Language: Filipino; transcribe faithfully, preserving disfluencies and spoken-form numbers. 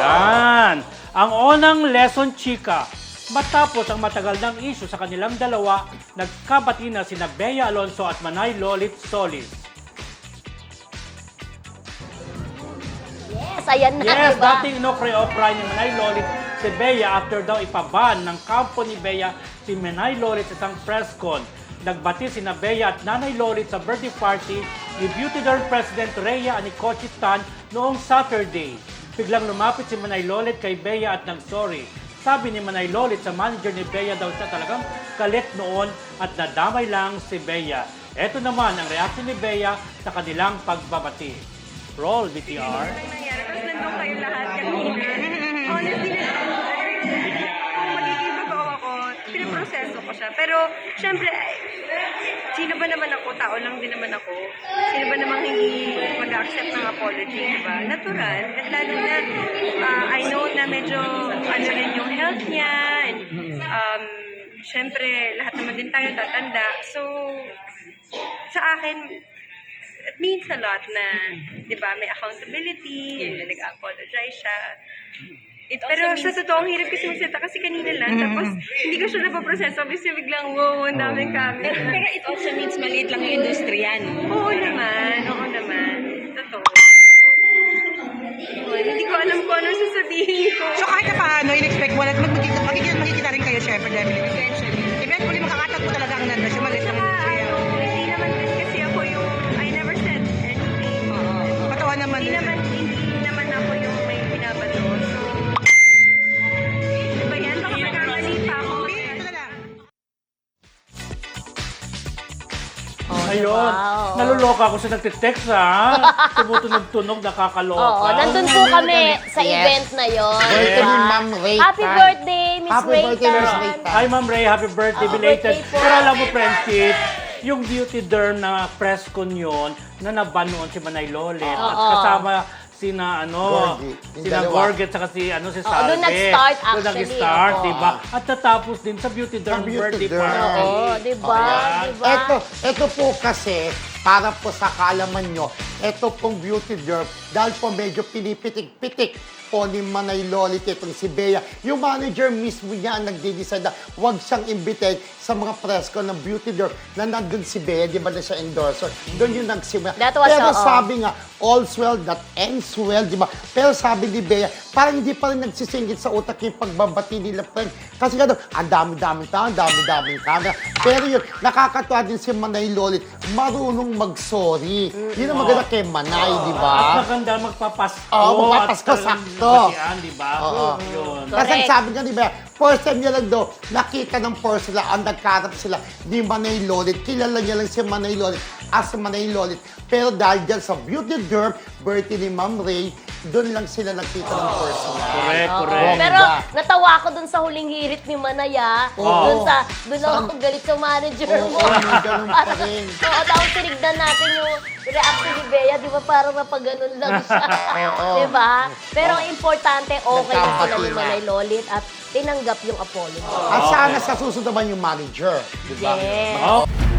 Yan. Ang unang lesson, chika. Matapos ang matagal ng issue sa kanilang dalawa, nagkabati na sina Bea Alonzo at Manay Lolit Solis. Yes, ayan na, Yes, diba? dating inokre-okra ni Manay Lolit si Bea after daw ipaban ng kampo ni Bea si Manay Lolit sa isang press con. Nagbati sina Bea at Nanay Lolit sa birthday party ni Beauty Derm President Rhea Anicochi Tan noong Saturday. Biglang lumapit si Manay Lolit kay Bea at nag-sorry. Sabi ni Manay Lolit sa manager ni Bea daw siya talagang galit noon at nadamay lang si Bea. Ito naman ang reaksyon ni Bea sa kanilang pagbabati. Roll, B T R. nangyari. Tapos nandun kayo lahat kanina. Honestly, kung magiging totoo ako, pinaproseso ko siya. Pero, syempre, ay, sino ba naman ako? Tao lang din naman ako. Sino ba namang hindi mag-accept ng apology, diba? Natural. At lalo na, uh, I know na medyo, ano rin yung health niya. And, um, syempre, lahat naman din tayo tatanda. So, sa akin, it means a lot na, di ba, may accountability, yes. Na nag-apologize siya. It Pero sa totoong hirap kasi magsalita kasi kanina lang, mm-hmm. Tapos hindi ko siya napaproseso, kasi biglang, wow, ang daming camera. Pero it also means maliit lang yung industriya, no? Oo naman, oo naman. Totoo. Oh, hindi ko alam kung ano sasabihin ko. So kahit na paano, in-expect mo, at magkikita, magkikita, magkikita rin kayo, syempre, dahil eventually. Eventually, makakatat mo talaga ang nandun siya, maliit lang yung industriya. Hindi naman din kasi ako yung, I never said anything. Patawa naman Hindi din. naman, hindi naman ako yung may binabato. So, ba yan? Baka magkamali pa ako. Ito na lang. Ayun, wow. naluloka ako sa nagtitext ha. Tumutunog-tunog, nakakaloka. Oo, nandun po kami sa Yes. event na yon. Birthday ni Ma'am Ray Happy Tan. birthday, Miss Happy Ray birthday, Miss Tan. Ray Tan. Hi Ma'am Ray, happy birthday, Happy belated. birthday po. Pero alam mo, friendship, yung beauty derm na press con yun, na naban noon si Manay Lolit. At Oo. kasama sina ano, Gorgie. Yung sina dalawa. Gorgie at saka si ano si Oo, Salve. doon nag-start Doon actually, nag-start, oo. diba? At natapos din sa beauty derm Sa beauty birthday derm. party. Oo, di ba? Ayan. Di ba? Ito, ito po kasi, para po sa kaalaman nyo, ito pong beauty derm, dahil po medyo pinipitik-pitik po ni Manay Lolit itong si Bea. Yung manager mismo niya ang nagde-decide na huwag siyang imbitahin sa mga press ko ng beauty derm na nandun si Bea, di ba na siya endorser? Doon yung nagsimula. That was, Pero oo. sabi nga, all's well that ends well, di ba? Pero sabi ni Bea, parang hindi pa rin nagsisingit sa utak yung pagbabati nila, friend. Kasi nga daw, ang dami-daming tao, ang dami-daming camera. Pero yun, nakakatuwa din si Manay Lolit, marunong mag-sorry. Yun ang maganda kay Manay, di ba? At maganda magpapasko. Oo, magpapasko, at talagang sakto. batian, di ba? Oo. Yun. Kasi Correct. sabi nga, di ba, first time niya lang daw, nakita ng first sila, ang nagkarap sila ni Manay Lolit. Kilala niya lang si Manay Lolit as Manay Lolit. Pero dahil dyan sa beauty derm, birthday ni Ma'am Ray, doon lang sila nakita ng personal. Correct, Oo. correct. Pero Diba? natawa ako dun sa huling hirit ni Manaya. Oo. Dun sa, dun ako galit sa manager Oo, mo. may ganun pa rin. Oo, tapos tinignan natin yung reaction ni Bea, di ba parang napaganon lang siya. Oo. Di ba? Pero ang importante, okay na sila Nagkabati ni na. Manay Lolit at tinanggap yung apology. At sana sa susunod naman yung manager, di ba? Yes. Oh.